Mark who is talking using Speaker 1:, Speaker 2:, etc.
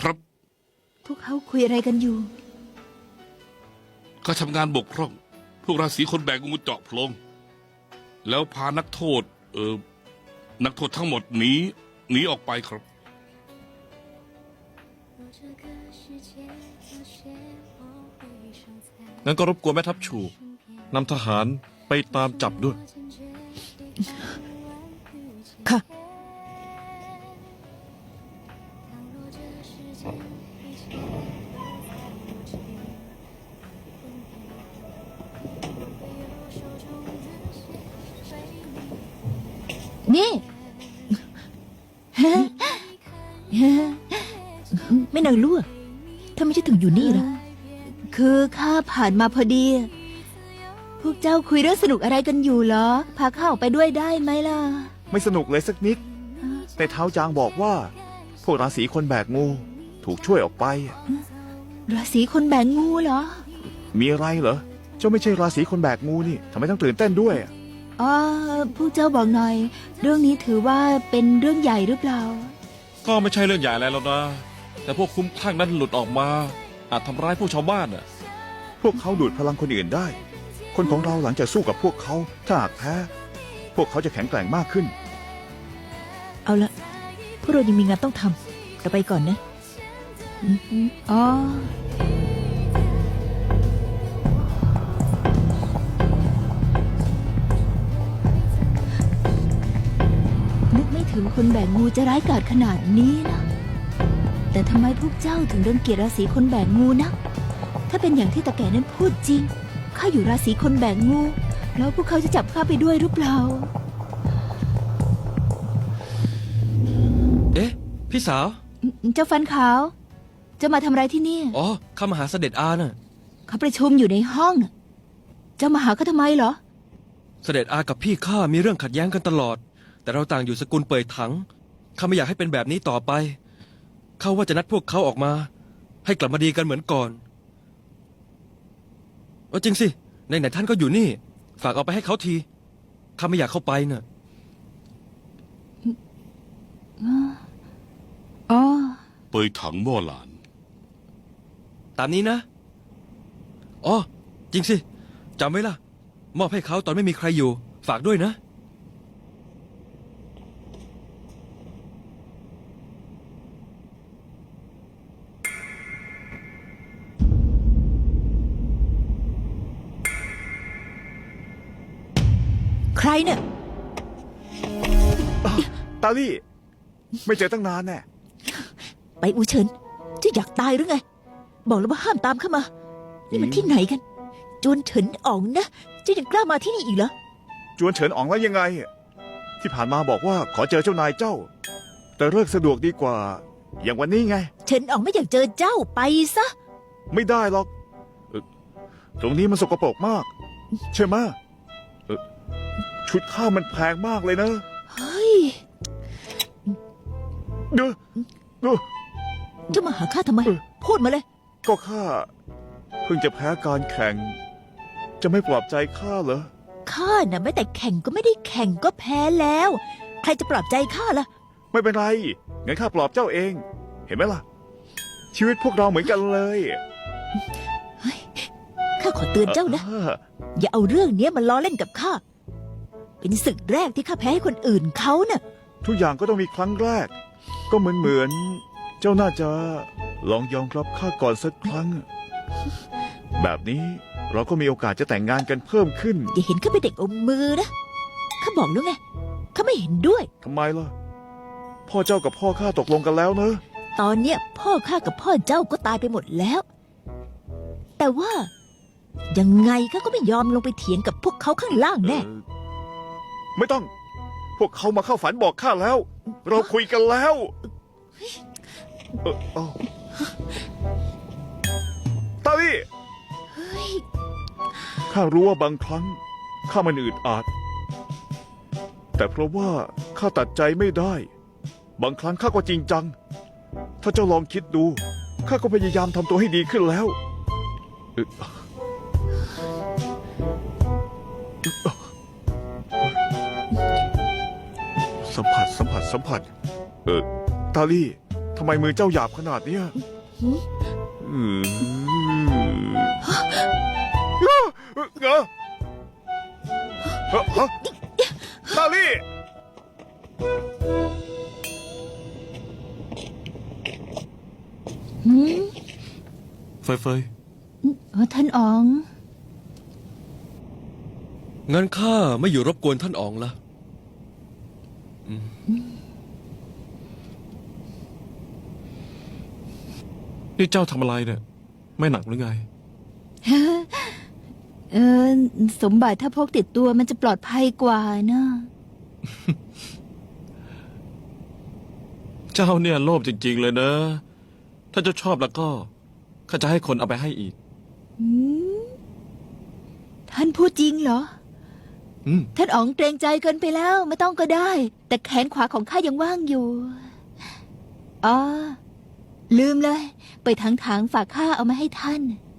Speaker 1: ครับ
Speaker 2: พวกเขาคุยอะไรกันอยู่
Speaker 1: ก็ทำงานบกพร่อง พวกราศีคนแบกงูเจาะโพรงแล้วพานักโทษนักโทษทั้งหมดหนีออกไปครับ
Speaker 3: งั้นก็รบกวนแม่ทัพชูนำทหารไปตามจับด้วย
Speaker 2: ค่ะนี่ ไม่นางลั่วทำไมจะถึงอยู่นี่ล่ะคือข้าผ่านมาพอดี พวกเจ้าคุยเรื่องสนุกอะไรกันอยู่เหรอ พาข้าออกไปด้วยได้ไหมล่ะ
Speaker 4: ไม่สนุกเลยสักนิด แต่เท้าจางบอกว่า พวกราศีคนแบกงูถูกช่วยออกไป
Speaker 2: ราศีคนแบกงูเหรอ
Speaker 4: มีอะไรเหรอ เจ้าไม่ใช่ราศีคนแบกงูนี่ทำไมต้องตื่นเต้นด้วย
Speaker 2: อ๋อพวกเจ้าบอกหน่อย เรื่องนี้ถือว่าเป็นเรื่องใหญ่หรือเปล่า
Speaker 3: ก็ไม่ใช่เรื่องใหญ่อะไรแล้วนะ แต่พวกคุ้มคลั่งนั้นหลุดออกมาอาจทำร้ายพวกชาวบ้านน่ะ
Speaker 4: พวกเขาดูดพลังคนอื่นได้ คนของเราหลังจากสู้กับพวกเขาถ้าหากแพ้พวกเขาจะแข็งแกร่งมากขึ้น
Speaker 2: เอาละพวกเรายังมีงานต้องทำเราไปก่อนนะอ๋อนึกไม่ถึงคนแบกงูจะร้ายกาจขนาดนี้นะ แต่ทำไมพวกเจ้าถึงรังเกียจราศีคนแบกงูนะ ถ้าเป็นอย่างที่ตาแก่นั้นพูดจริง ข้าอยู่ราศีคนแบกงู แล้วพวกเขาจะจับข้าไปด้วยหรือเปล่า
Speaker 5: เอ๊ะ พี่สาว
Speaker 2: เจ้าฟันขาว จะมาทำอะไรที่นี่
Speaker 5: อ๋อข้ามาหาเสด็จอาน่ะ
Speaker 2: เขาประชุมอยู่ในห้องน่ะเจ้ามาหาเขาทำไมเหรอ
Speaker 5: เสด็จอากับพี่ข้ามีเรื่องขัดแย้งกันตลอด แต่เราต่างอยู่สกุลเป่ยถังข้าไม่อยากให้เป็นแบบนี้ต่อไปข้าว่าจะนัดพวกเขาออกมา ให้กลับมาดีกันเหมือนก่อนจริงสิไหนๆท่านก็อยู่นี่ ฝากเอาไปให้เขาทีข้าไม่อยากเข้าไปน่ะ
Speaker 2: อ๋อ
Speaker 1: เปยถังหม้อหลาน
Speaker 5: ตามนี้นะอ๋อจริงสิจำไว้ล่ะ มอบให้เขาตอนไม่มีใครอยู่ ฝากด้วยนะ
Speaker 2: ใครเนี่ย
Speaker 4: ตาลี่ ไม่เจอตั้งนานแน่
Speaker 2: ไปอูเฉินเจะอยากตายหรือไง บอกแล้วว่าห้ามตามเข้ามา นี่มันที่ไหนกัน จวนเฉินอ๋องนะเจะยังกล้ามาที่นี่อีกเหรอ
Speaker 4: จวนเฉินอ๋องแล้วยังไง ที่ผ่านมาบอกว่าขอเจอเจ้านายเจ้า แต่เลิกสะดวกดีกว่า อย่างวันนี้ไง
Speaker 2: เฉินอ๋องไม่อยากเจอเจ้าไปซะ
Speaker 4: ไม่ได้หรอกตรงนี้มันสกปรกมาก ใช่ไหมชุดข้ามันแพงมากเลยนะ
Speaker 2: เฮ้ย
Speaker 4: เด้อ
Speaker 2: เจ้ามาหาข้าทำไม พูดมาเลย
Speaker 4: ก็ข้าเพิ่งจะแพ้การแข่ง จะไม่ปลอบใจข้าเหรอ
Speaker 2: ข้าน่ะไม่แต่แข่งก็ไม่ได้แข่งก็แพ้แล้ว ใครจะปลอบใจข้าล่ะ
Speaker 4: ไม่เป็นไรงั้นข้าปลอบเจ้าเอง เห็นไหมล่ะ ชีวิตพวกเราเหมือนกันเลย
Speaker 2: ข้าขอเตือนเจ้านะ อย่าเอาเรื่องนี้มาล้อเล่นกับข้า เป็นศึกแรกที่ข้าแพ้ให้คนอื่นเขาน่ะ
Speaker 4: ทุกอย่างก็ต้องมีครั้งแรก ก็เหมือนเจ้าน่าจะลองยอมรับข้าก่อนสักครั้ง แบบนี้เราก็มีโอกาสจะแต่งงานกันเพิ่มขึ้น
Speaker 2: อย่าเห็นข้าเป็นเด็กอมมือนะ ข้าบอกแล้วไง ข้าไม่เห็นด้วย
Speaker 4: ทำไมล่ะ พ่อเจ้ากับพ่อข้าตกลงกันแล้วเนอะ
Speaker 2: ตอนเนี้ยพ่อข้ากับพ่อเจ้าก็ตายไปหมดแล้ว แต่ว่ายังไงข้าก็ไม่ยอมลงไปเถียงกับพวกเขาข้างล่างแน่
Speaker 4: ไม่ต้อง พวกเขามาเข้าฝันบอกข้าแล้ว เราคุยกันแล้วเอ้าตาลี่ข้ารู้ว่าบางครั้งข้ามันอึดอัดแต่เพราะว่าข้าตัดใจไม่ได้ บางครั้งข้าก็จริงจัง ถ้าเจ้าลองคิดดูข้าก็พยายามทำตัวให้ดีขึ้นแล้วสัมผัสตาลี่ทำทำไมมือเจ้าหยาบขนาดเนี้ย
Speaker 2: หืม
Speaker 4: เงอะฮะซาลี่
Speaker 2: หืม
Speaker 3: เฟยเฟย
Speaker 2: อ๋อท่านอ๋อง
Speaker 5: งั้นข้าไม่อยู่รบกวนท่านอ๋องละ
Speaker 3: นี่เจ้าทำอะไรเนี่ย ไม่หนักหรือไง
Speaker 2: เออ สมบัติถ้าพกติดตัวมันจะปลอดภัยกว่านะ
Speaker 3: เจ้าเนี่ยโลภจริง ๆ เลยนะ ถ้าเจ้าชอบแล้วก็ข้าจะให้คนเอาไปให้อีก
Speaker 2: หืมท่านพูดจริงเหรอ
Speaker 3: อืม
Speaker 2: ท่านอ๋องเกรงใจเกินไปแล้วไม่ต้องก็ได้ แต่แขนขวาของข้ายังว่างอยู่อ๋อลืมเลย ไปถางๆฝากข้าเอามาให้ท่าน